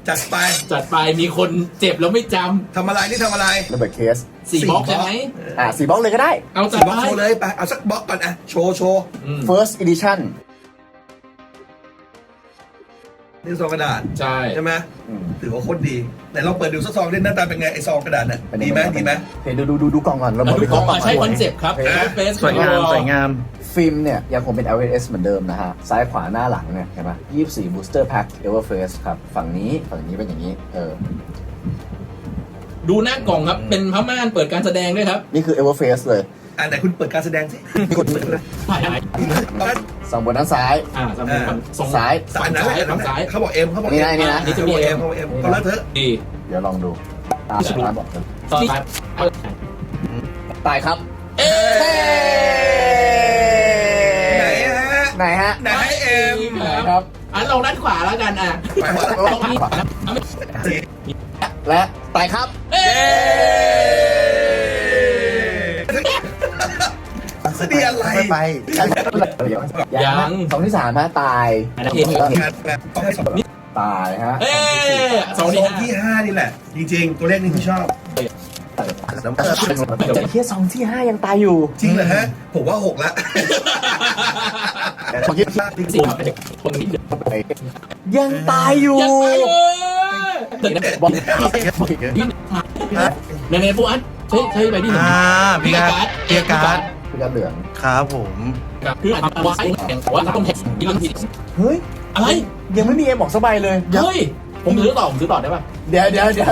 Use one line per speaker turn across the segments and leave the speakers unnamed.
จัดไปมีคนเจ็บแล้วไม่จ
ทำอะไรนี่ทำอะไร
ระเบิดเคส
ำ4 บล็อกใช่ไหม
4 บล็อกเลยก็ได้
เอาจัด
บล็อก
ไป
โชว์เลยไปเอาสักบล็อกก่อนอ่ะโชว์
first edition
นี่ซองกระดาษ
ใช่
ใช่ไหม ถือว่าโคตรดีไหนลองเปิดดูสักซองดิหน้าตาเป็นไงไอซองกระดาษน่ะดีไหม
เห็นดูกล่องก่อนเรา
มาดูกล้องใช้คอนเซปต์ครับ
สวยงาม
ฟิล์มเนี่ยยังคงเป็น LS เหมือนเดิมนะฮะซ้ายขวาหน้าหลังเนี่ยเห็นไหม24 booster pack Everface ครับฝั่งนี้เป็นอย่างนี้
ดูหน้ากล่องครับเป็นพม่านเปิดการแสดงด้วยครับ
นี่คือ Everface เลย
อ่ะไหนคุณเปิดการแสดงสิ
นี่กด
ถ่ายไหน
สองบนด้านซ้าย
สมมติ
ซ้าย
อันนั้นแหละ
ฝั่งซ้าย
เขาบอกเอ็มเขาบอก
นี่
เอ็ม
นะ
นี่จะมี
เอ็มเขาบอกเอ็มก็แล้วเถอะ
ดี
เดี๋ยวลองดูตาซ้ายบอกเลย
ตอนท้าย
ตายครับ
เอ๊
ไหนฮะ
ไหนฮะ
ไหนให้เอ็ม
ครับ
อันเราด้านขวาแล้วกันอ่ะ
ไปว่า
ตรงนี้
และตายครับ
เอ๊
นี่อะไร
ไป
ยังสองที่สามฮะตาย
ต้องให้สอง
ตายฮะ
เอ๊ส
ซ
อ
อง ง
ที่
ที่ห้านี่แหละ จริงๆ ตัวเลขนี้ที่ชอบ
แต่เทียซองที่5ยังตายอยู่
จริงเหรอฮะ ผมว่า6ละ
ของที่
สี่คนนี้
ยังตายอยู่
ยังไปตึกนะ
บอก
ในพวกอันใช่ไปที่หนึ่ง
พี่การ์ด
คือกระเหลือง
ครับผม
คือทำไว้แต่ว่าต้องแท็กที่เรื่องผิด
เฮ้ย
อะไร
ยังไม่มีเอ็มบอกสบายเลย
เฮ้ยผมซื้อต่อได้ป่ะ
เดี๋ยว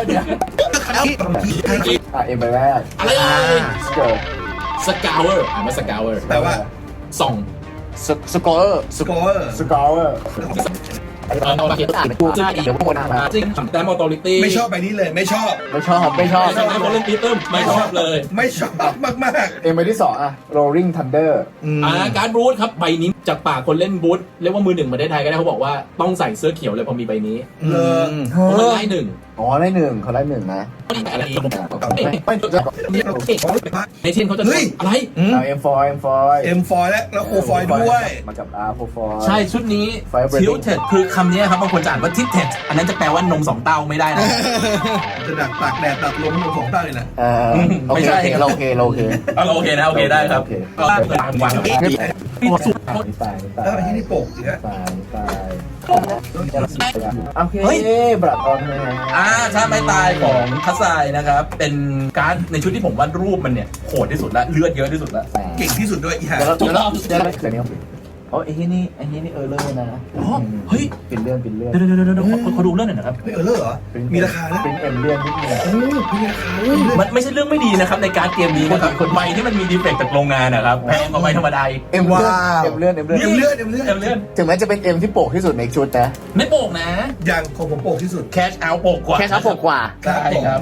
เอ็มไปแรก
อะไร
เกิด
สกาวเวอร์ไม่สกาวเวอร์
แปลว่า
ส่อง
สกอร์
สกอร์
สกอร์
เราเขียนอ่านเป็นตัวจริงเดี๋ยวพวกคนอ่านจริงแต่มอตอริตี้
ไม่ชอบใบนี้เลยไม่ชอบ
ไม่ชอบ
ไม่ชอบคนเล่นปีเตอร์ไม่ชอบเลย
ไม่ชอบมาก
เอ็มไปที่2Rolling Thunder
การบูธครับใบนี้จากปากคนเล่นบูธเรียกว่ามือหนึ่งมาได้ไทยก็ได้เขาบอกว่าต้องใส่เสื้อเขียวเลยพอมีใบนี้
ๆเลย
เพราะมันไล่หนึ่ง
อ๋อได้1เขาได้1นะ
อะไรอีก
ไม่
ในเช่นเขาจะอะไร
เอ็มฟอย
เอ็มฟอยแล้วโคฟอยด้วย
มากับโคฟอย
ใช่ชุดนี้ทิวเท็ดคือคำนี้ครับบางคนจะอ่านว่าทิวเท็ดอันนั้นจะแปลว่านม2 เต้าไม่ได้นะ
จะดักตากแดดตัดลมของใต้เลยแหละ
โอเคเราโอเค
โอเคนะโอเคได้ครับก็เปิดวางตัวสุด
ตาย
แล้วที่นี่โปกอีกฮะ
ตายโอเคบลัดออนแมน
ชาติไม้ตายของคัสไซนะครับ เป็นการ์ดในชุดที่ผมวาดรูปมันเนี่ยโหดที่สุดละเลือดเยอะที่สุดละ
เก่งที่สุดด้วยอีห่า
เดี๋ยวเราเดี๋ยวนี้เขาไอ้นี่เลยนะ
เฮ้ย
ปิดเรื่อง
เดี๋ยวเขาดูเรื่องหน่อยนะครับ
ไม่เออเลอร์เหรอมีราคานะ
เป็นเอ็มเรื่องนิดนึง
โอ้มีราคา
มันไม่ใช่เรื่องไม่ดีนะครับในการ์ดเกมนี้นะครับใบที่มันมีดีเฟกต์จากโรงงานนะครับแพงกว่าใบธรรมดา
เอ็มเลื่อน
เอ็มเลือด
ถึงแม้จะเป็นเอ็มที่โปกที่สุดในชุดนะ
ไม่โป่งนะ
อย่างของผมโปกที่สุด
แคชเอาโป่งกว่า
แค่เขาโปกกว่า
ใช่ครับ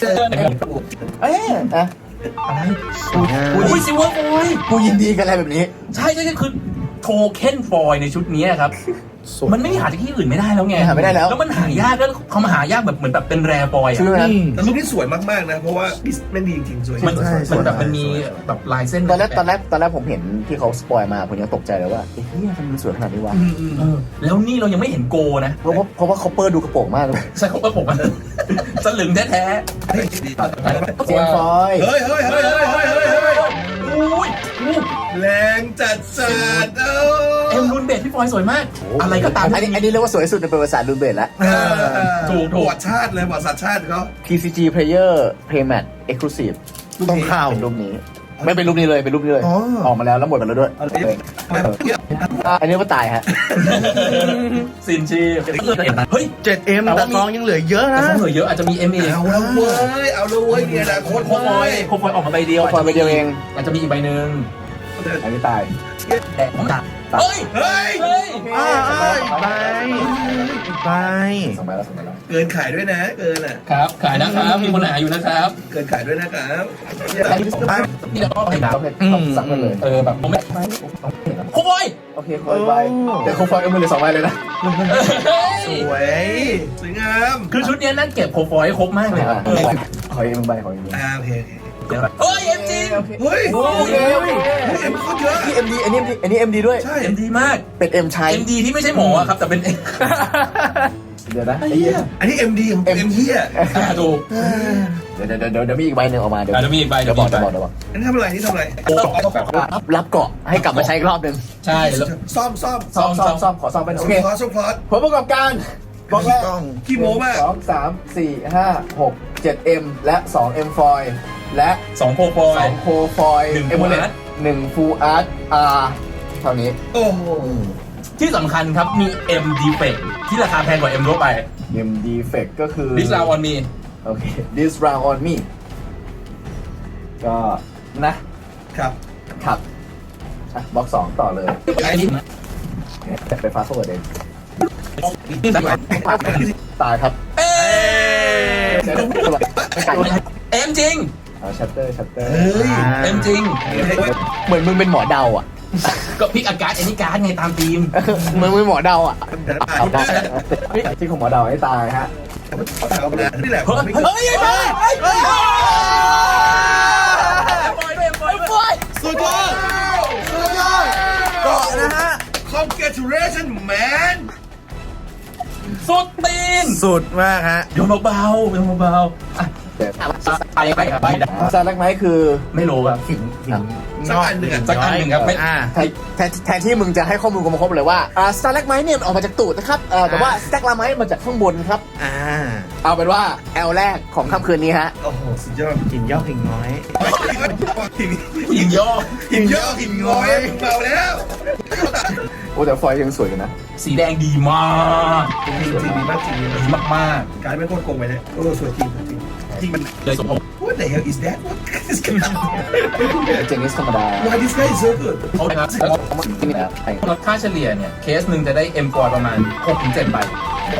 อะ
อะไรอุ้ยซิลเวอร์ฟอย
กูยินดีกันอะไรแบบนี้
ใช่คือโทเค็นฟอยในชุดนี้ครับมันไม่หาจากที่อื่นไม่ได้แล้วไง
หาไม่ได้แล้ว
แล้วมันหายากแล้วเขามาหายากแบบเหมือนแบบเป็นแรร์ฟอย
ชื่อนะ
แต่รูปนี้สวยมากๆนะ เพราะว่าแม่งดีจริงๆสวย
มันแบบมันมีแบบลายเส้น
ตอนแรกผมเห็นที่เขาสปอยมาผมยังตกใจเลยว่าเฮ้ยทำไมมันสวยขนาดนี้วะ
แล้วนี่เรายังไม่เห็นโกนะ
เพราะว่าเขาเปิดดูกระโปรงมากเลย
ใช่เขาก็ผมมันสลึงแท้
เจมฟอย
เฮ้ย
ๆอุ้ย
แรงจัด
เอ็มรูนเบดพี่ฟอยสวยมากอะไรก็ตาม
อันนี้เรียกว่าสวยสุดในประวัติศาสตร์รูเบตแล้ว
ถูก
ประวัติชาติเลยประวัติศาสตร์ชาติเขา
TCG Player Playmat Exclusive
ต้องข่าว
เป็นรูปนี้ ไม่เป็นรูปนี้เลยเป็นรูปนี้เลย ออกมาแล้วหมดไปแล้วด้วยอันนี้ก็ตายฮะ
ซินชีเฮ้ย
7M แต่ซองยังเหลือเยอะนะ
เหลือเยอะอาจจะมี MA
เอาแล้วเว้ยมีอนาคต
โคฟอยออกมาใบเดียว
ฟอยไปเดียวเอง
อาจจะมีอีกใบหนึ่ง
อันนี้ตาย
แต่ผมตัดเฮ้ย
ไป
2 ใบแล้ว
เกินขายด้วยนะเกินอ่ะ
ครับขายนะครับมีคนหาอยู่นะครับ
เกินขายด้วยนะครับ
นี่เราก็ไปดับ
ต้องสั่งกันเลย
แบบผมไม่โคฟอย
โอเคคอยใบเดี๋ยวคงฟอยเอามือเลย2 ใบเลยนะ
สวยงาม
คือชุดนี้นั่นเก็บโคฟอยครบมากเลยครับ
ขออีก1 ใบขออีก
โอเค
เฮ้ยเอ็มจี
เฮ้ย
โอเค
เอ็มโคตรเยอะ
ที่ MD อันนี้ MD ด้วย
ใช่
เอ็มดีมาก
เป็น M ชัย
เอ็มดีที่ไม่ใช่หมอครับแต่เป็น
เดี๋ยวนะ
ไอ้เหี้ยอันนี้ MD ของ M เหี้ย
ถูก
เดี๋ยวมีอีกใบหนึ่งออกมาเดี๋ยว
อ่ะเดี๋ยวมีอีกใบ
เดี๋ยวบอก
อันนี้ทำอะไรนี่ทำอะไร
รับเกาะให้กลับมาใช้อีกรอบหนึ่ง
ใช่แล้ว
ซ่อม
ซ่อมขอซ่อมเป็นโอเค
คลอสคลอส
ผลประกอบการบอกแรก
ขี้โม้มาก
2 3 4 5 6 7 M และ 2 M ฟอยและ
2โคฟอย
2โคฟอย
หนึ่ง
เอ
Full
มูเลต
Art
1 Full Art R เท่านี้
โอ้โห
ที่สำคัญครับมี M defect ที่ราคาแพงกว่า M ทั่วไป
M defect ก็คือ
This round on me
โอเค this round on me ก็นะครับ ครับบล็อก2ต่อเลย
ไอ้นี่
แต่ไปฟาสต์โฟร์เดนตายครับ
เอ้ย
ไม่ไกล
M จริง
เอาชัตเตอร์
เฮ้ย
M จริง
เหมือนมึงเป็นหมอเดาอ่ะ
ก็พิกอาการ์ดแอนิการ์ดไงตามทีม
มึงเป็นหมอเดาอ่ะ
แต่ละ
เอาได้ที่ของหมอเดาให้ตายฮะ
นี่แหละ
เฮ้ยเฮ้ยเฮ้ยเฮ้ยเฮ้ยปล่อย
สุดยอดสุดยอดเกาะนะฮะ
Congratulations man
สุดตีน
สุดมากฮะ
โยนเบาๆโยนเบาๆอ่ะไปครับไป
ซาลักไม้คือ
ไม่รู้ครับ
สักอันหนึ่งอ่ะ
สักอันหนึ่งครับไม่
แทนที่มึงจะให้ข้อมูลกูมาครบเลยว่าสตาร์แลกไม้เนี่ยออกมาจากตูดนะครับแต่ว่าสแต็กลาไม้มาจากข้างบนครับ เอาเป็นว่าแอลแรกของค่ำคืนนี้ฮะ
โอ้โหสุดยอด
หินยอกหินน้อย
หินย่อ
หินเยอะหินง้อยเบาแล้ว
โอ้แต่ฟอยล์ยังสวยกันนะ
สีแดงดีมาก
จริงดีมากจริง
ดีมาก
การไม่โคตรโกงไปเลยโอ้สวยจริงจริงมัน
ๆเลยสมมติ
What the hell is that What is going on
เจนิสธรรมดา
Why this guy is so good
เขาเลยครับลดค่าเฉลี่ยเนี่ยเคสหนึ่งจะได้ M กว่าประมาณ 6-7 ใบ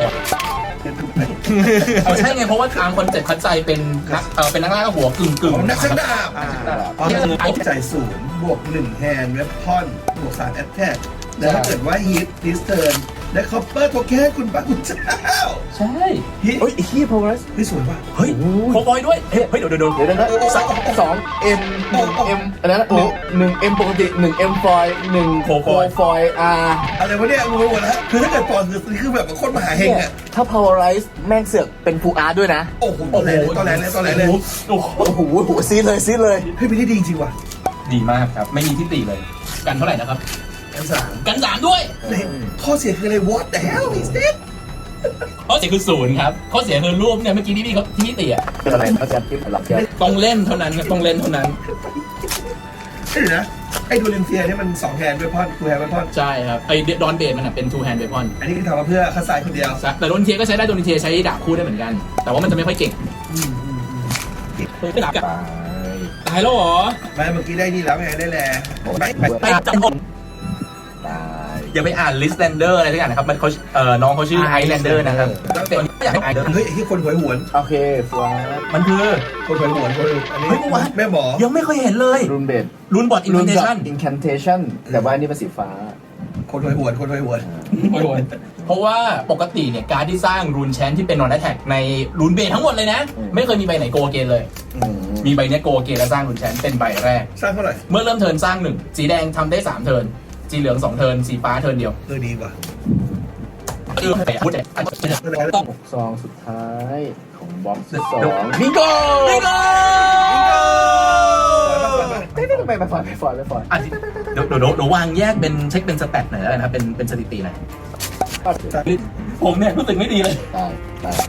เอาใช่ไงเพราะว่าทางคนเจ็บคัดใจเป็นนักล่าหัวกึ่ง
ของนักชักดาบ
ที่
ใจศูนย์บวก1แฮนด์เวพอนบวก3แอตแทกแล้วถ้าเกิดว่าฮิตดิสเทิร์นและคอปเปอร์โทเค็นคุณพระคุณเจ้า
ใช่
ฮิต
เฮ้ยฮีโพลัส
เฮ้ยสวยว่ะ
เฮ้ยโคบอยด้วยเฮ้ยเดี๋ยว
เดี๋ยวนะ2 M 1 M อันนั้น1 M ปกติ1 M ฟอย1โคฟอย R
อะไรวะเนี่ยงงหมดแล้วคือถ้าเกิดปอนคือแบบโคตรมหาเฮงอ่ะ
ถ้า Powerize แม่งเสือกเป็น Full Art ด้วยนะ
โอ้โหตอนแรกเลย
โอ้โห
โอ้โหซีดเลย
เฮ้ยไม่ได้ดีจริงว่ะ
ดีมากครับไม่มีที่ติเลยกันเท่าไหร่นะครับ
กันสาม
กัน3ด้วย
ข้อเสียคืออะไร What the hell is this
ข้อเสียคือ0ครับข้อเสียคือรูปเนี่ยเมื่อกี้ที่พี่เขาที่ติอ่ะ
เป็นอะไรเขาจะพิมพ์หลับเดียว
ต้องเล่นเท่านั้นต้องเล่นเท่านั้น
เดี๋ยวนะไอ้ดูเลนเซียเนี่ยมัน2แฮนด์เวพอน2แฮนด์เวพอน
ใช่ครับไอ้ดอนเบดมันเป็น two hand weapon
อันนี้คือทำมาเพื่อคัสไซคนเดียว
แต่โดนเทียก็ใช้ได้โดนเทียใช้ดาบคู่ได้เหมือนกัน แต่ว่ามันจะไม่ค่อยเก่งไม่ดาบกับ
ตาย
ตายแล้วเหรอ
ไม่เมื่อกี้ได้นี่แล้วไงได้แล
ไปจำผม
ตาย
อย่าไปอ่าน Listlander อะไรทุกอย่างนะครับมันเขาน้องเขาชื่อ Islander นะครับตัวนี้อยากให้อ่าน
เฮ้ยที่คนหวยหวน
โอเคฟัว
มันคือ
คนหวยหวนอันนี้
เฮ้ยเมื่อวาน
แม่หมอ
ยังไม่เคยเห็นเลย
รูนเบด
รุนบอดอิน
รู
เท
น
น
ดอ
ชั่น
ท incantation แต่ว่าอันนี้เป็นสีฟ้า
คนหวยหวน
เพราะว่าปกติเนี่ยการที่สร้างรูนแชนที่เป็นนอนแอทแทกในรูนเบททั้งหมดเลยนะ ไม่เคยมีใบไหนโกเกนเลย มีใบเนี้ยโกเกนและสร้างรูนแชนเป็นใบแรก
สร้างเท่าไหร่
เมื่อเริ่มเทิร์นสร้าง1สีแดงทำได้3เทิร์นสีเหลือง2เทิร์นสีฟ้าเทิร์นเดียว
ดีว่ะ
คือพูดแต่ต้อง
ซองสุดท้ายของบ็อกซ์2บิงโก
บิงโก
ไปฟอย
อ่ะเดี๋ยววางแยกเป็นเช็คเป็นสแตทหน่อยแล้วกันนะครับเป็นสถิติหน่อยผมเนี่ยรู้สึกไม่ดีเลย
ตาย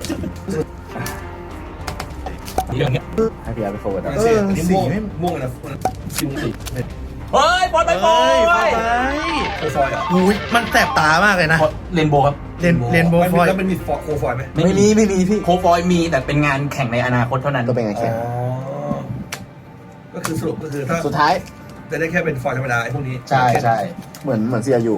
เรื่องเนี้ย
ให้พี่อาร์ไปโฟร์ด
เสียอันนี้ม่วงนะ
เฮ้ยบอลไปบอล
โคฟอยอ่ะ
อุ้ยมันแสบตามากเลยนะ
เรนโบว์ครับ
เรนโบว์ฟอย
แล้วมันมีโคฟอยไหม
ไม่มีพี่
โคฟอยมีแต่เป็นงานแข่งในอนาคตเท่านั้น
ก็เป็นไงแค่
ก็คือสรุปก็คือถ้า
สุดท้าย
จะได้แค่เป็นฟอยธรรมดาไอ้พวกนี้
ใช่เหมือนเซียอยู่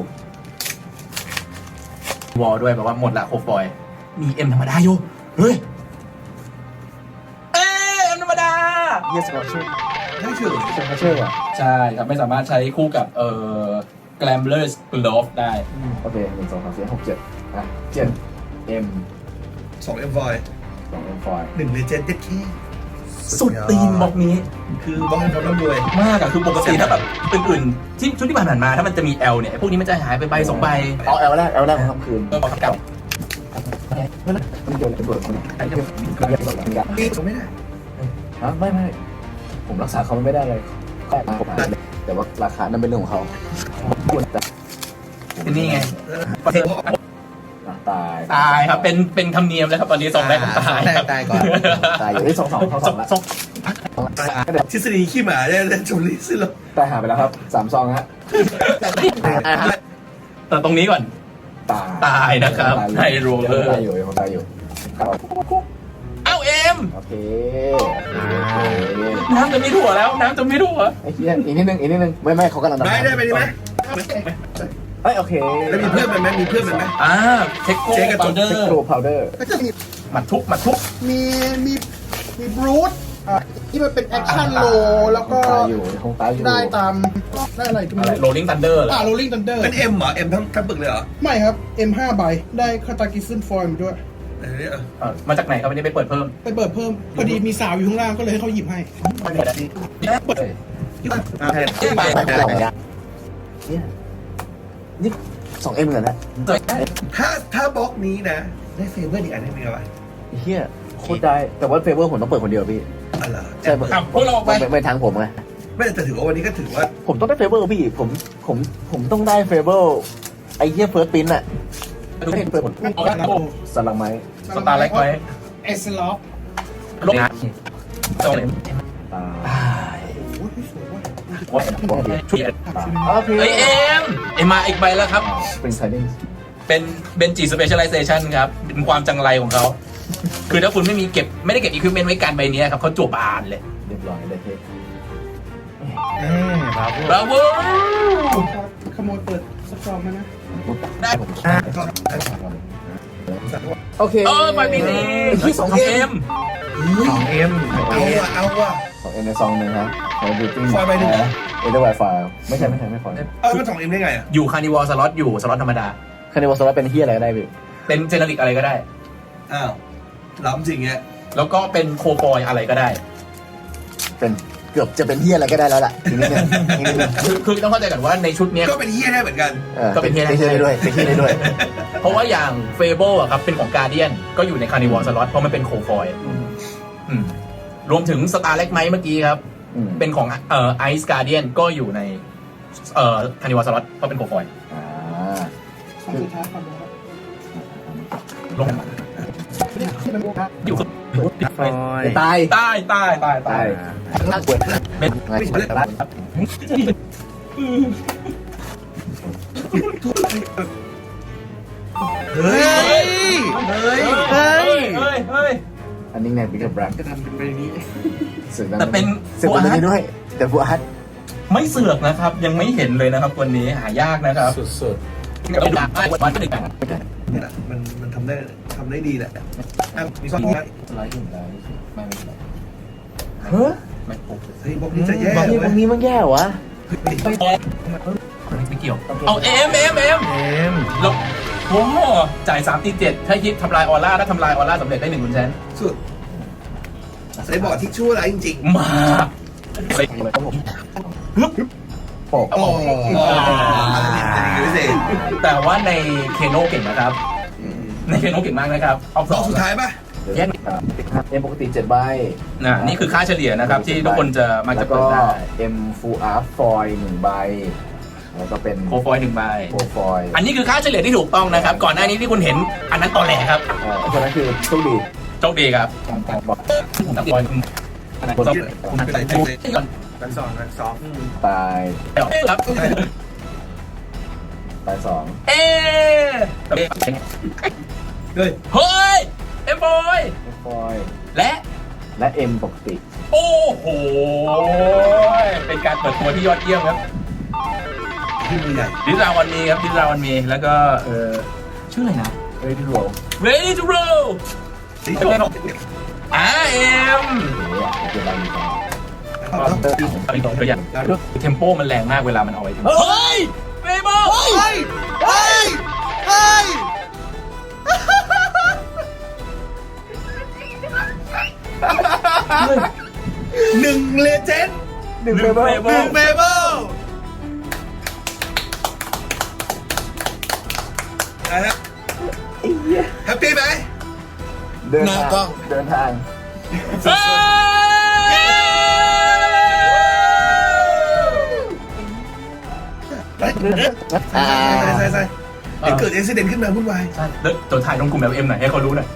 วอลด้วยแบบว่าหมดละโคฟอยมีเอ็มธรรมดาอยู่เฮ้ยเอ็มธรรมดา
Yes ก็ชื่อ
ได้เฉย
เชื่อว่ะ
ใช่ครับไม่สามารถใช้คู่กับGlamblers Glove ได้
โอเค1 2 3 4 6 7อ่ะ7 M
2 M ฟอย
2 M ฟอย
1เลเจนด์เด็ดขี้
สุดตีนบล็อกนี้
คือบล็อกให้เขาร่ำรวย
มากอะคือปกติถ้าแบบอื่นๆที่ชุดที่ผ่านมาถ้ามันจะมี L เนี่ยพวกนี้มันจะหายไปใบ2ใบ
เอาแอลแรกของค่ำคืน
ก็บอกเก่า
มันโดนระเบิดมันไอ้เรื่องมันเรียกว่าอะไร
ตีผมไม่ได้
ฮะไม่ผมรักษาเขาไม่ได้เลยก็ตายแต่ว่าราคานั้นเป็นเรื่องของเขา
นี่ไง
ตาย
ตายครับเป็นธรรมเนียมแล้วครับตอนนี้สองแรกตายครับ
ตายก่อน
ตายอยู่ที่สองเท่าละ
สอง
ทฤษฎีขี้หมาเนี่ยเล่นชมลิซิโล
ตายหาไปแล้วครับ3 ซองฮะ
แต่ตรงนี้ก่อน ตายนะครับไฮโรเลอร์
ตายอยู่ตายอยู่
เอ้าเอ็ม
โอเค
น้ำจะมีถั่วแล้วน้ำจะมีถั่ว
ไอ้เหี้ยอีกนิดนึงไม่เขากำลัง
ได้ไปดีไหม
เอ้ยโอเค
แล้วมีเพื่อนมันไหมมีเพื่อนมันไหม
เทคโก้
เจ๊กระจก
พาวเดอ
เทค
ร์
โนพาวเดอร์
ก็จะมี
มัดทุก
มีบรูทที่มันเป็นแอคชั่นโลแล้วก็
ตายอยู่คงตายอยู่
ได้ตามได้อะไรก็ไม่
อะไร
รู้
โรลลิ่งทันเดอร์เหรอ
โรลลิ่งทันเดอร์
เป็นเอ็มเหรอเอ็มทั้งปึกเลยเหรอ
ไม่ครับ M5 ใบได้คาตากิซึนฟอยล์มาด้วย
เออเนี่ย
มาจากไหนครับวันนี้ไปเปิดเพิ่ม
ไปเปิดเพิ่มพอดีมีสาวอยู่ข้างล่างก็เลยให้เขาหยิบให้
นี่2M เหมือนกันนะ
ถ้าบล็อกนี้นะ ได้เฟเวอร์อีกอันนึงมีอะไร
เฮียโคตรได้แต่ว่าเฟเวอร์ผมต้องเปิดคนเดียวพี่
อะไร
ใช่
พวกเราออกไป
ไม่ทางผมไง
ไม่แต่ถือว่าวันนี้ก็ถือว่า
ผมต้องได้เฟเวอร์พี่ผมต้องได้เฟเวอร์ไอ้เหี้ยเฟิร์สปินอะเปิดผล
เอากันนะ
สลังไม้
สตาร์เล็กไหม
เอสล็อก
ลงตรงไหน
ตา
โอ้ยสวยว่ะ
โอเค
เฮ้ยเอ็มมาอีกใบแล้วครับ
เป็นไซดิ้ง
เป็นเบนจีสเปเชียลไลเซชันครับเป็นความจังไรของเขาคือถ้าคุณไม่ได้เก็บอุปกรณ์ไว้การใบนี้ครับเขาจวบบานเลย
เรียบร้อยเลยเฮ้ย
บราโว
ขโมยเปิดสกอร์มานะ
ได้
โอเค
ใบนี้
ที่2M
2M
เอาว่ะ
2M ในซองหนึ่งครับในบิวติ้ง
ไฟล์ใบหนึ่งเหรอ
เอเดอร์ไวไฟล์ไม่ใช่ไม่ฟอย
มัน2 M ได้ไงอ่ะ
อยู่คาร์นิวอลสล็อตอยู่สล็อตธรรมดา
คันนี้วอลสล็อตเป็นเฮียอะไรก็ได้พี่
เป็นเจเนริกอะไรก็ได้
อ้าวล้ำจริงเงี้ย
แล้วก็เป็นโคฟอยอะไรก็ได้
เป็นเกือบจะเป็นเฮียอะไรก็ได้แล้วล่ะอีกนิดนึง
คือต้องเข้าใจก่อนว่าในชุดเนี้ย
ก็เป็นเฮียได้เหมือนกัน
ก็เป็นเฮียได้
ได้ด้วยเป็นเฮียได้ด้วย
เพราะว่าอย่างเฟเบิลอะครับเป็นของการเดียนก็อยู่ในคาร์นิวอลสล็อตเพราะมันเป็นโคฟอยรวมถึงสตาร์เล็กไมเมื่อกี้ครับ เป็นของไอซ์การเดียนก็อยู่ในคาร์นิวอลสล็อตเพราะเป็นโคฟอย
คำสุดท้ายก่อนนะครับ
ลงอยู่
ตาย
ใต้
ตายน่ากลัว
เป็น
ไม่ใช่ครับ
เฮ้ย
เฮ้ย
อันนี้ไงบิ๊กแบล็ค
จะทำเป็นไปนี้
แต่เป็น
สึกวันนี้ด้วย แต่ฟูอาร์ต
ไม่เสือกนะครับ ยังไม่เห็นเลยนะครับวันนี้หายากนะครับ
สุด
กับเป็นการวันที่หนึ่ง
เนี่ยมันทำได้ดีแหละมีข้อ
ๆไลท์ถึงไลท์ไม่เฮ้ย
ไม่ปุ๊บ
เฮ้ยบล็อกนี้จะแย่
บางที
เว้
บาย งทีมันแย่วะ
ไม่เกี่ยวเอาเอ็มแล้วโอ้จ่าย3 ตี 7ถ้ายิบทำลายออร่าถ้าทำลายออร่าสำเร็จได้1 คุณแชน
สุดใส่บอร์ดที่ชั่วร้ายจริง
มาไป
โอ้
ๆอ๋อพิเศษ
แต่ว่าในเคโนเก่งนะครับ ในเคโนเก่งมากนะครับเอา
บล็อกสุดท้ายป่ะ
แยก
เอ็มปกติ7 ใบ
นี่คือค่าเฉลี่ยนะครับ ที่ทุกคนจะมัก
แล้
จะ
ว
เปิ
ก็
ดได้
M Full Art Foil 1 ใบ แล้วก็เป็น
โคฟอย1 ใบ
โ o ฟอย
อันนี้คือค่าเฉลี่ยที่ถูกต้องนะครับ ก่อนหน้านี้ที่คุณเห็นอันนั้นตอแหลครับ
เพราะนั้นคือโชคดี
โชคดีครับ
บอก
ผมตัดบอลคุณก่อน
กันสอง
ตาย
ครับ
ตาย2
เฮ้ย
เฮ้ย
เฮ้ยเอ็มบอย
ฟอย
และ
และ M ปกติ
โอ้โหเป็นการเปิดตัวที่ยอดเยี่ยมครับ
ที่มือใหญ่
ดิสราวันมีครับดิสราวันมีแล้วก็ชื่ออะไรนะ
Ready to roll
Ready to roll เอ็ม
เดี๋ยวใบมี
ตัวอย่างเทมโปมันแรงมากเวลามันเอาไว้เฮ้ยเบเบิล
หนึ่งเลเจนด์
1 เบเบิล
หนึ่งเบเบิลนะฮะแฮปปี้ไหม
เดิน
หน้า
ทาง
กล้อง
เดินทาง
ไปใส่เดี๋ยวเกิดอุบิเหตุขึ้นมาวุ่นวาย
ใช่แล้วตัวถ่ายลงกลุ่ม LM หน่อยให้เขารู้หน่อย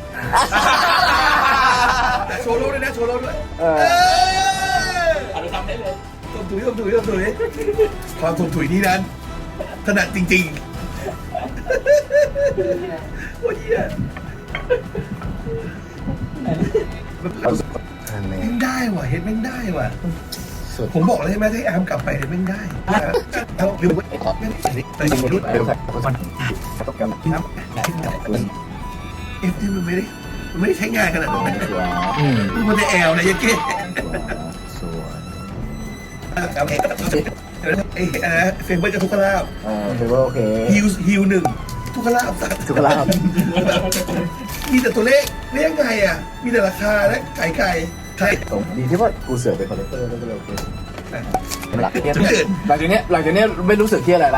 โชว์โลด้วยนะโชว์โลด้วย
อนุทำได้เลย
ต้มถุยความต้มถุยนี้นั้นถนัดจริงๆโอ้ยเหี้ยแม่งได้ว่ะเฮ็ดแม่งได้ว่ะผมบอกเลยใช่ไหมถ้าแอมกลับไปเนี่ยแม่งได้เอาหรือว่าแต่จริงๆเอฟที่มันไม่ได้ใช้งานขนาดนั้นมันจะแอลนะยังเก้เฟเบอร์กับทุกขลาบ
ถือว่าโอเค
ฮิวหนึ่งทุกขลาบสัตว์
ทุกลาบ
มีแต่ตัวเลขเรียกไงอ่ะมีแต่ราคาและไก่ใช่
ดีที่ว่ากูเสือเป็นคอลเลกเตอร์แล้วก็เลยโอเคหลังจาก
จุดเกิด
นี้ไม่รู้สึกเครียดอะไรละ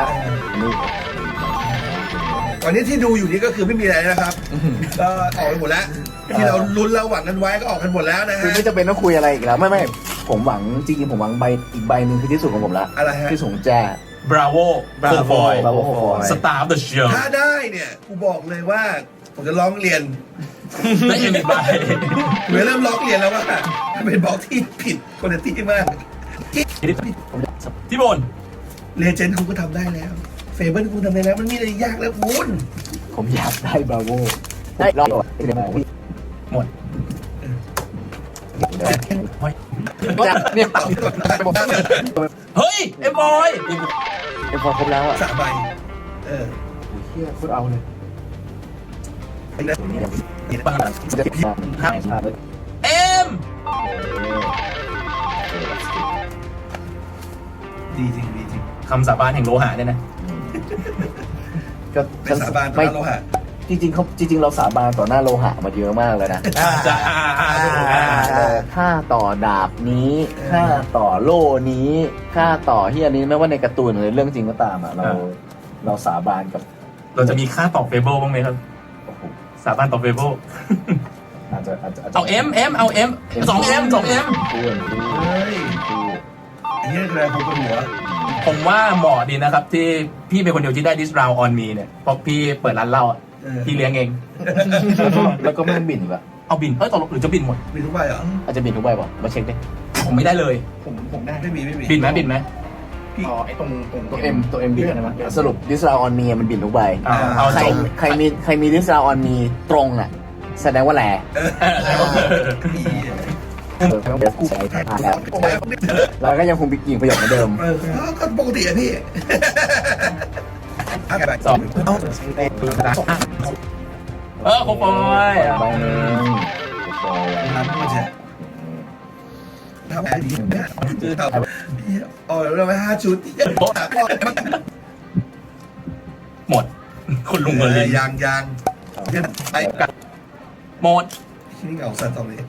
ตอนนี้ที่ดูอยู่นี่ก็คือไม่มีอะไรนะครับก็ออกไปหมดแล้วที่เราลุ้นเราหวังกันไว้ก็ออกกันหมดแล้วนะ
คือ
ฮะ
ไม่จำเป็นต้องคุยอะไรอีกแล้วไม่ผมหวังจริงๆผมหวังใบอีกใบหนึ่งคือที่สุดของผมละ
อะไรฮะ
ที่สูงแจ้
Bravo โคฟอย
Bravo Cowboy
Star of the Show
ถ้าได้เนี่ยกูบอกเลยว่าผมจะร้องเรียน
และเอ็มอีกใบ
ผมจะเริ่มร้องเรียนแล้วว่ามันเป็นบล็อกที่ผิดคุณภาพมาก
ที่บน
เลเจนด์คุณก็ทำได้แล้วเฟเบิลคุณทำได้แล้วมันมีอะไรยากแล้วคุณ
ผมอยากได้บราโวได้รอบ
หมด
เนี่ย
เฮ้ย เอ็มบอย
พอครบแล้วอ่ะ
3 ใบ
เฮียพูดเอาเลย
เอ็ม
ดีจริงดีจริง
คำสาบานแห่งโลหะเนี่ยนะ
ก็
เป็นสาบานต่อหน้าโลหะ
จริงเราสาบานต่อหน้าโลหะมาเยอะมากเลยนะ
จะ
ค่าต่อดาบนี้ค่าต่อโล่นี้ค่าต่อที่อันนี้ไม่ว่าในการ์ตูนหรือเรื่องจริงก็ตามอ่ะเราสาบานกับ
เราจะมีค่าต่อเฟเบิลบ้างไหมครับ สาบานต่อเฟเบิล
อาจจะ
เอาเอ็มเอาเอ็ม2M
เฮ้ยอันนี้คืออะไรผมปวดหัว
ผมว่าเหมาะดีนะครับ ที่พี่เป็นคนเดียวที่ได้ This Round on Me เนี่ยเพราะพี่เปิดร้านเหล้าอะพี่เลี้ยงเอง
แล้วก็ไม่ต้องบินอีกละ
เอาบินตกลงหรือจะบินหมด
มีทุกใบเหรอ
อาจจะบินทุกใบป่ะมาเช็คดิ
ผมไม่ได้เลย
ผมได้
ไม่มี
บินไหม
อ๋อไอ้ตรง
ตัวเอ็มบินใช่ไหมสรุปดิสราออนมีมันบินทุกใบ
เอา
ใคร
จบ
ใครมีดิสราออนมีตรงน่ะแสดงว่าแหล่
มี
กูใช้ผ่านแล้วเราก็ยังคงยิงประโยคเหมือนเดิม
ก็ปกติอะพี่
2โคฟอย
ใบหนึ่ง
ทำมันจะทำอะไรดีเนี่ยคือทำอ๋อเราไป5 ชุด
หมด คุณลุงเบอร์ลิน
ยางไอ้
หมด
ที่นี่เหงาสัตว์ตรงนี้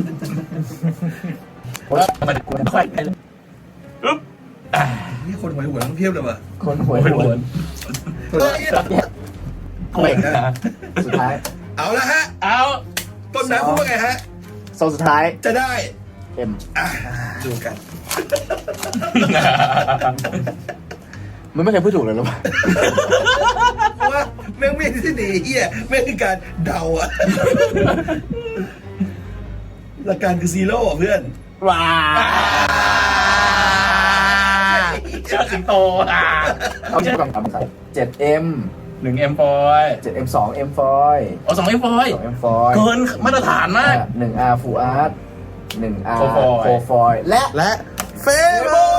มาดิคุณค่อยไปเลยอึ๊บ
นี่คนหวยหัวทั้งเพียบเลยว่ะ
คนหวย
โอ้ย
หวน
เก่งนะ
สุดท้าย
เอาละฮะ
เอา
ต้นน้ำพูดว่าไงฮะ
โซนสุดท้าย
จะได้
เอ็ม
ดูกัน
มันไม่เคยพูดถูกเลยหรอวะ
ว่าแม่งไม่ที่หนีเฮียแม่งคือการเดาอะหลักการคือซีโร่เพื่อน
ว้า
เชื่อสิงโต
เอาชื่อกล่องใส่ 7M
1M ฟอย
7M 2M ฟอย
เอา2M ฟอย
2M ฟอย
เกินมาตรฐานมาก
1R Full Art 1R
Foil
Full Foil และ
เฟเบอร์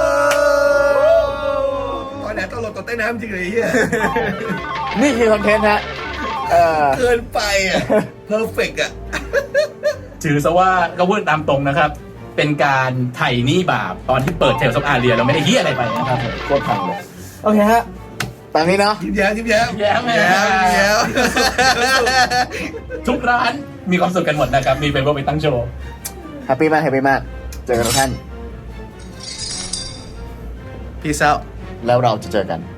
ตอนไหนตลกตอนใต้น้ำจริงเลยเฮีย
นี่คือคอนเทนต์ฮะ
เกินไปอ่ะเพอร์เฟกอ่ะ
ถือซะว่าก็พูดตามตรงนะครับ เป็นการไถ่หนี้บาปตอนที่เปิดเทลซอฟอาเรียเราไม่ได้เฮี้ยอะไรไปนะครับ
โคตรพังเลย โอเคฮะ ตามนี้เนาะ
ยิ้มแย้ม
แย้มทุกร้านมีความสุขกันหมดนะครับ มีเฟเบิลไปตั้งโชว์
แฮปปี้มาก เจอกันทุกท่าน
พีซเอา
แล้วเราจะเจอกัน